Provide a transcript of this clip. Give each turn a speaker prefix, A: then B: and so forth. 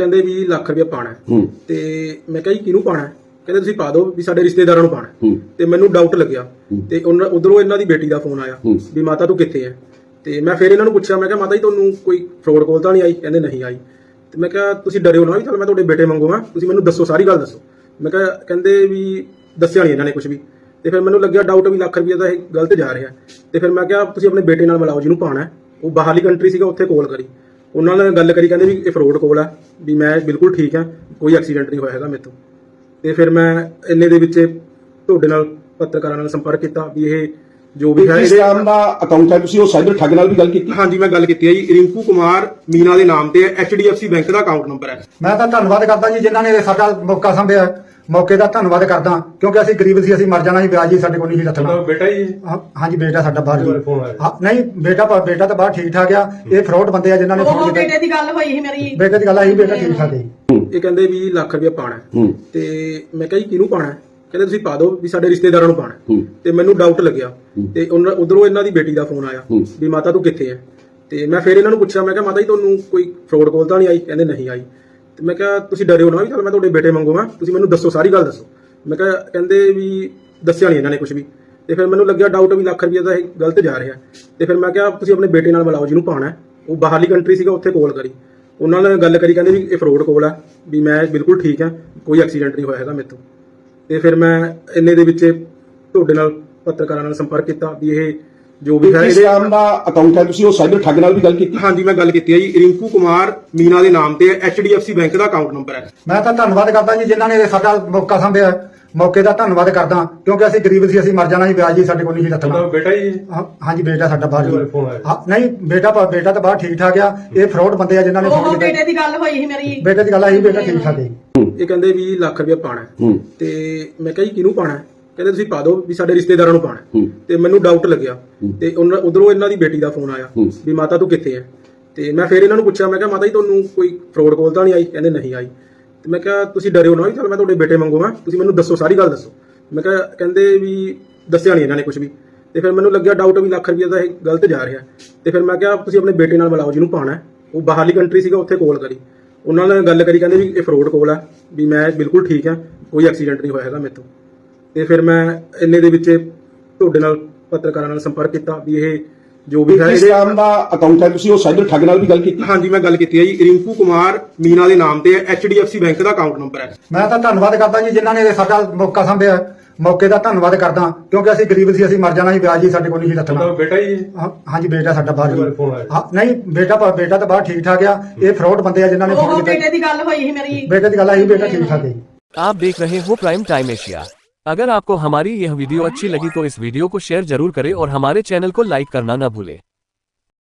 A: ਕਹਿੰਦੇ ਵੀ ਲੱਖ ਰੁਪਏ ਪਾਣਾ ਤੇ ਮੈਂ ਕਿਹਾ ਜੀ ਕਿਹਨੂੰ ਪਾਣਾ? ਕਹਿੰਦੇ ਤੁਸੀਂ ਪਾ ਦਿਓ ਵੀ ਸਾਡੇ ਰਿਸ਼ਤੇਦਾਰਾਂ ਨੂੰ ਪਾਣਾ। ਤੇ ਮੈਨੂੰ ਡਾਊਟ ਲੱਗਿਆ ਤੇ ਉਧਰੋਂ ਇਹਨਾਂ ਦੀ ਬੇਟੀ ਦਾ ਫੋਨ ਆਇਆ ਵੀ ਮਾਤਾ ਤੂੰ ਕਿੱਥੇ ਹੈ? ਤੇ ਮੈਂ ਫਿਰ ਇਹਨਾਂ ਨੂੰ ਪੁੱਛਿਆ, ਮੈਂ ਕਿਹਾ ਮਾਤਾ ਜੀ ਤੁਹਾਨੂੰ ਕੋਈ ਫਰੋਡ ਕਾਲ ਤਾਂ ਨਹੀਂ ਆਈ? ਕਹਿੰਦੇ ਨਹੀਂ ਆਈ। ਤੇ ਮੈਂ ਕਿਹਾ ਤੁਸੀਂ ਡਰਿਓ ਨਾ ਵੀ ਚਲ ਮੈਂ ਤੁਹਾਡੇ ਬੇਟੇ ਵਾਂਗੂ ਹਾਂ, ਤੁਸੀਂ ਮੈਨੂੰ ਦੱਸੋ, ਸਾਰੀ ਗੱਲ ਦੱਸੋ। ਮੈਂ ਕਿਹਾ ਕਹਿੰਦੇ ਵੀ ਦੱਸਿਆ ਨਹੀਂ ਇਹਨਾਂ ਨੇ ਕੁਝ ਵੀ। ਤੇ ਫਿਰ ਮੈਨੂੰ ਲੱਗਿਆ ਡਾਊਟ ਵੀ ਲੱਖ ਰੁਪਏ ਦਾ ਇਹ ਗਲਤ ਜਾ ਰਿਹਾ। ਤੇ ਫਿਰ ਮੈਂ ਕਿਹਾ ਤੁਸੀਂ ਆਪਣੇ ਬੇਟੇ ਨਾਲ ਮਿਲਾਓ ਜਿਹਨੂੰ ਪਾਣਾ। ਉਹ ਬਾਹਰਲੀ ਕੰਟਰੀ ਸੀਗਾ, ਉੱਥੇ ਕਾਲ ਕਰੀ, ਉਹਨਾਂ ਨਾਲ ਗੱਲ ਕਰੀ, ਕਹਿੰਦੇ ਵੀ ਇਹ ਫਰੋਡ ਕਾਲ ਆ, ਵੀ ਮੈਂ ਬਿਲਕੁਲ ਠੀਕ ਹਾਂ, ਕੋਈ ਐਕਸੀਡੈਂਟ ਨਹੀਂ ਹੋਇਆ ਹੈਗਾ ਮੇਰੇ ਤੋਂ। ਤੇ ਫਿਰ ਮੈਂ ਇੰਨੇ ਦੇ ਵਿੱਚ ਤੁਹਾਡੇ ਨਾਲ ਪੱਤਰਕਾਰਾਂ ਨਾਲ ਸੰਪਰਕ ਕੀਤਾ ਵੀ ਇਹ ਜੋ ਵੀ ਹੈ
B: ਇਸ ਨਾਮ ਦਾ ਅਕਾਊਂਟ ਹੈ, ਤੁਸੀਂ ਉਹ ਸਾਈਬਰ ਠੱਗ ਨਾਲ ਵੀ ਗੱਲ ਕੀਤੀ?
A: ਹਾਂਜੀ ਮੈਂ ਗੱਲ ਕੀਤੀ ਹੈ ਜੀ। ਰਿੰਕੂ ਕੁਮਾਰ ਮੀਨਾ ਦੇ ਨਾਮ ਤੇ HDFC ਬੈਂਕ ਦਾ ਅਕਾਊਂਟ ਨੰਬਰ ਹੈ।
C: ਮੈਂ ਤਾਂ ਧੰਨਵਾਦ ਕਰਦਾ ਜੀ ਜਿਨ੍ਹਾਂ ਨੇ ਸਾਡਾ ਮੌਕਾ ਸੰਭਿਆ, ਮੌਕੇ ਦਾ ਧੰਨਵਾਦ ਕਰਦਾ, ਕਿਉਂਕਿ ਅਸੀਂ ਗਰੀਬ ਸੀ, ਅਸੀਂ ਮਰ ਜਾਣਾ ਸੀ, ਵਿਆਜ ਜੀ ਸਾਡੇ ਕੋਲ ਨਹੀਂ ਸੀ ਰੱਖਣਾ।
A: ਬੇਟਾ ਜੀ?
C: ਹਾਂਜੀ ਬੇਟਾ ਸਾਡਾ ਬਾਹਰ ਜੀ। ਨਹੀਂ ਬੇਟਾ ਤਾਂ ਬਾਹਰ ਠੀਕ ਠਾਕ ਆ। ਇਹ ਫਰਾਡ ਬੰਦੇ ਆ ਜਿਨ੍ਹਾਂ ਨੇ ਫੋਨ ਕੀਤਾ।
D: ਬੇਟੇ ਦੀ ਗੱਲ ਹੋਈ ਸੀ ਮੇਰੀ,
C: ਬੇਟੇ ਦੀ ਗੱਲ ਆਈ, ਬੇਟਾ ਠੀਕ ਠਾਕ ਹੈ।
A: ਇਹ ਕਹਿੰਦੇ ਵੀ ਲੱਖ ਰੁਪਏ ਪਾਣਾ ਤੇ ਮੈਂ ਕਿਹਾ ਜੀ ਕਿਹਨੂੰ ਪਾਣਾ? ਕਹਿੰਦੇ ਤੁਸੀਂ ਪਾ ਦਿਓ ਵੀ ਸਾਡੇ ਰਿਸ਼ਤੇਦਾਰਾਂ ਨੂੰ ਪਾਣਾ। ਤੇ ਮੈਨੂੰ ਡਾਊਟ ਲੱਗਿਆ ਤੇ ਉਧਰੋਂ ਇਹਨਾਂ ਦੀ ਬੇਟੀ ਦਾ ਫੋਨ ਆਇਆ ਵੀ ਮਾਤਾ ਤੂੰ ਕਿੱਥੇ ਹੈ? ਤੇ ਮੈਂ ਫਿਰ ਇਹਨਾਂ ਨੂੰ ਪੁੱਛਿਆ, ਮੈਂ ਕਿਹਾ ਮਾਤਾ ਜੀ ਤੁਹਾਨੂੰ ਕੋਈ ਫਰੋਡ ਕਾਲ ਤਾਂ ਨਹੀਂ ਆਈ? ਕਹਿੰਦੇ ਨਹੀਂ ਆਈ। ਤੇ ਮੈਂ ਕਿਹਾ ਤੁਸੀਂ ਡਰਿਓ ਨਾ ਵੀ ਚਲ ਮੈਂ ਤੁਹਾਡੇ ਬੇਟੇ ਵਾਂਗੂ ਹਾਂ, ਤੁਸੀਂ ਮੈਨੂੰ ਦੱਸੋ, ਸਾਰੀ ਗੱਲ ਦੱਸੋ। ਮੈਂ ਕਿਹਾ ਕਹਿੰਦੇ ਵੀ ਦੱਸਿਆ ਨਹੀਂ ਇਹਨਾਂ ਨੇ ਕੁਝ ਵੀ। ਤੇ ਫਿਰ ਮੈਨੂੰ ਲੱਗਿਆ ਡਾਊਟ ਵੀ ਲੱਖ ਰੁਪਏ ਦਾ ਇਹ ਗਲਤ ਜਾ ਰਿਹਾ। ਤੇ ਫਿਰ ਮੈਂ ਕਿਹਾ ਤੁਸੀਂ ਆਪਣੇ ਬੇਟੇ ਨਾਲ ਮਿਲਾਓ ਜਿਹਨੂੰ ਪਾਣਾ। ਉਹ ਬਾਹਰਲੀ ਕੰਟਰੀ ਸੀਗਾ, ਉੱਥੇ ਕਾਲ ਕਰੀ, ਉਹਨਾਂ ਨਾਲ ਗੱਲ ਕਰੀ, ਕਹਿੰਦੇ ਵੀ ਇਹ ਫਰੋਡ ਕਾਲ ਆ, ਵੀ ਮੈਂ ਬਿਲਕੁਲ ਠੀਕ ਹਾਂ, ਕੋਈ ਐਕਸੀਡੈਂਟ ਨਹੀਂ ਹੋਇਆ ਹੈਗਾ ਮੇਰੇ ਤੋਂ। ਤੇ ਫਿਰ ਮੈਂ ਇੰਨੇ ਦੇ ਵਿੱਚ ਤੁਹਾਡੇ ਨਾਲ ਪੱਤਰਕਾਰਾਂ ਨਾਲ ਸੰਪਰਕ ਕੀਤਾ ਵੀ ਇਹ ਜੋ ਵੀ ਹੈ
B: ਇਸ ਨਾਮ ਦਾ ਅਕਾਊਂਟ ਹੈ, ਤੁਸੀਂ ਉਹ ਸਾਈਬਰ ਠੱਗ ਨਾਲ ਵੀ ਗੱਲ ਕੀਤੀ?
A: ਹਾਂਜੀ ਮੈਂ ਗੱਲ ਕੀਤੀ ਹੈ ਜੀ। ਰਿੰਕੂ ਕੁਮਾਰ ਮੀਨਾ ਦੇ ਨਾਮ ਤੇ HDFC ਬੈਂਕ ਦਾ ਅਕਾਊਂਟ ਨੰਬਰ ਹੈ।
C: ਮੈਂ ਤਾਂ ਧੰਨਵਾਦ ਕਰਦਾ ਜੀ ਜਿਨ੍ਹਾਂ ਨੇ ਸਾਡਾ ਮੌਕਾ ਸੰਭਿਆ, ਮੌਕੇ ਦਾ ਧੰਨਵਾਦ ਕਰਦਾ, ਕਿਉਂਕਿ ਅਸੀਂ ਗਰੀਬ ਸੀ, ਅਸੀਂ ਮਰ ਜਾਣਾ ਸੀ, ਵਿਆਜ ਜੀ ਸਾਡੇ ਕੋਲ ਨਹੀਂ ਸੀ ਰੱਖਣਾ।
A: ਬੇਟਾ ਜੀ?
C: ਹਾਂਜੀ ਬੇਟਾ ਸਾਡਾ ਬਾਹਰ ਜੀ। ਨਹੀਂ ਬੇਟਾ ਤਾਂ ਬਾਹਰ ਠੀਕ ਠਾਕ ਆ। ਇਹ ਫਰਾਡ ਬੰਦੇ ਆ ਜਿਨ੍ਹਾਂ ਨੇ ਫੋਨ ਕੀਤਾ।
D: ਬੇਟੇ ਦੀ ਗੱਲ ਹੋਈ ਸੀ ਮੇਰੀ,
C: ਬੇਟੇ ਦੀ ਗੱਲ ਆਈ, ਬੇਟਾ ਠੀਕ ਠਾਕ ਹੈ।
A: ਇਹ ਕਹਿੰਦੇ ਵੀ ਲੱਖ ਰੁਪਏ ਪਾਣਾ ਤੇ ਮੈਂ ਕਿਹਾ ਜੀ ਕਿਹਨੂੰ ਪਾਣਾ? ਕਹਿੰਦੇ ਤੁਸੀਂ ਪਾ ਦਿਓ ਵੀ ਸਾਡੇ ਰਿਸ਼ਤੇਦਾਰਾਂ ਨੂੰ ਪਾਣਾ। ਤੇ ਮੈਨੂੰ ਡਾਊਟ ਲੱਗਿਆ ਤੇ ਉਧਰੋਂ ਇਹਨਾਂ ਦੀ ਬੇਟੀ ਦਾ ਫੋਨ ਆਇਆ ਵੀ ਮਾਤਾ ਤੂੰ ਕਿੱਥੇ ਹੈ? ਤੇ ਮੈਂ ਫਿਰ ਇਹਨਾਂ ਨੂੰ ਪੁੱਛਿਆ, ਮੈਂ ਕਿਹਾ ਮਾਤਾ ਜੀ ਤੁਹਾਨੂੰ ਕੋਈ ਫਰੋਡ ਕਾਲ ਤਾਂ ਨਹੀਂ ਆਈ? ਕਹਿੰਦੇ ਨਹੀਂ ਆਈ। ਤੇ ਮੈਂ ਕਿਹਾ ਤੁਸੀਂ ਡਰਿਓ ਨਾ ਵੀ ਚਲ ਮੈਂ ਤੁਹਾਡੇ ਬੇਟੇ ਵਾਂਗੂ ਹਾਂ, ਤੁਸੀਂ ਮੈਨੂੰ ਦੱਸੋ, ਸਾਰੀ ਗੱਲ ਦੱਸੋ। ਮੈਂ ਕਿਹਾ ਕਹਿੰਦੇ ਵੀ ਦੱਸਿਆ ਨਹੀਂ ਇਹਨਾਂ ਨੇ ਕੁਝ ਵੀ। ਤੇ ਫਿਰ ਮੈਨੂੰ ਲੱਗਿਆ ਡਾਊਟ ਵੀ ਲੱਖ ਰੁਪਏ ਦਾ ਇਹ ਗਲਤ ਜਾ ਰਿਹਾ। ਤੇ ਫਿਰ ਮੈਂ ਕਿਹਾ ਤੁਸੀਂ ਆਪਣੇ ਬੇਟੇ ਨਾਲ ਮਿਲਾਓ ਜਿਹਨੂੰ ਪਾਣਾ। ਉਹ ਬਾਹਰਲੀ ਕੰਟਰੀ ਸੀਗਾ, ਉੱਥੇ ਕਾਲ ਕਰੀ, ਉਹਨਾਂ ਨਾਲ ਗੱਲ ਕਰੀ, ਕਹਿੰਦੇ ਵੀ ਇਹ ਫਰੋਡ ਕਾਲ ਆ, ਵੀ ਮੈਂ ਬਿਲਕੁਲ ਠੀਕ ਹਾਂ, ਕੋਈ ਐਕਸੀਡੈਂਟ ਨਹੀਂ ਹੋਇਆ ਹੈਗਾ ਮੇਰੇ ਤੋਂ। ਤੇ ਫਿਰ ਮੈਂ ਇੰਨੇ ਦੇ ਵਿੱਚ ਤੁਹਾਡੇ ਨਾਲ ਪੱਤਰਕਾਰਾਂ ਨਾਲ ਸੰਪਰਕ ਕੀਤਾ ਵੀ ਇਹ ਜੋ ਵੀ ਹੈ
B: ਇਸ ਨਾਮ ਦਾ ਅਕਾਊਂਟ ਹੈ, ਤੁਸੀਂ ਉਹ ਸਾਈਬਰ ਠੱਗ ਨਾਲ ਵੀ ਗੱਲ ਕੀਤੀ?
A: ਹਾਂਜੀ ਮੈਂ ਗੱਲ ਕੀਤੀ ਹੈ ਜੀ। ਰਿੰਕੂ ਕੁਮਾਰ ਮੀਨਾ ਦੇ ਨਾਮ ਤੇ HDFC ਬੈਂਕ ਦਾ ਅਕਾਊਂਟ ਨੰਬਰ ਹੈ।
C: ਮੈਂ ਤਾਂ ਧੰਨਵਾਦ ਕਰਦਾ ਜੀ ਜਿਨ੍ਹਾਂ ਨੇ ਸਾਡਾ ਮੌਕਾ ਸੰਭਿਆ, ਮੌਕੇ ਦਾ ਧੰਨਵਾਦ ਕਰਦਾ, ਕਿਉਂਕਿ ਅਸੀਂ ਗਰੀਬ ਸੀ, ਅਸੀਂ ਮਰ ਜਾਣਾ ਸੀ, ਵਿਆਜ ਜੀ ਸਾਡੇ ਕੋਲ ਨਹੀਂ ਸੀ ਰੱਖਣਾ।
A: ਬੇਟਾ ਜੀ?
C: ਹਾਂਜੀ ਬੇਟਾ ਸਾਡਾ ਬਾਹਰ ਜੀ। ਨਹੀਂ ਬੇਟਾ ਤਾਂ ਬਾਹਰ ਠੀਕ ਠਾਕ ਆ। ਇਹ ਫਰਾਡ ਬੰਦੇ ਆ ਜਿਨ੍ਹਾਂ ਨੇ ਫੋਨ ਕੀਤਾ।
D: ਬੇਟੇ ਦੀ ਗੱਲ ਹੋਈ ਸੀ ਮੇਰੀ,
C: ਬੇਟੇ ਦੀ ਗੱਲ ਆਈ, ਬੇਟਾ ठीक ठाक है।
E: आप देख रहे हो प्राइम टाइम एशिया। अगर आपको हमारी यह वीडियो अच्छी लगी तो इस वीडियो को शेयर जरूर करें और हमारे चैनल को लाइक करना न भूलें।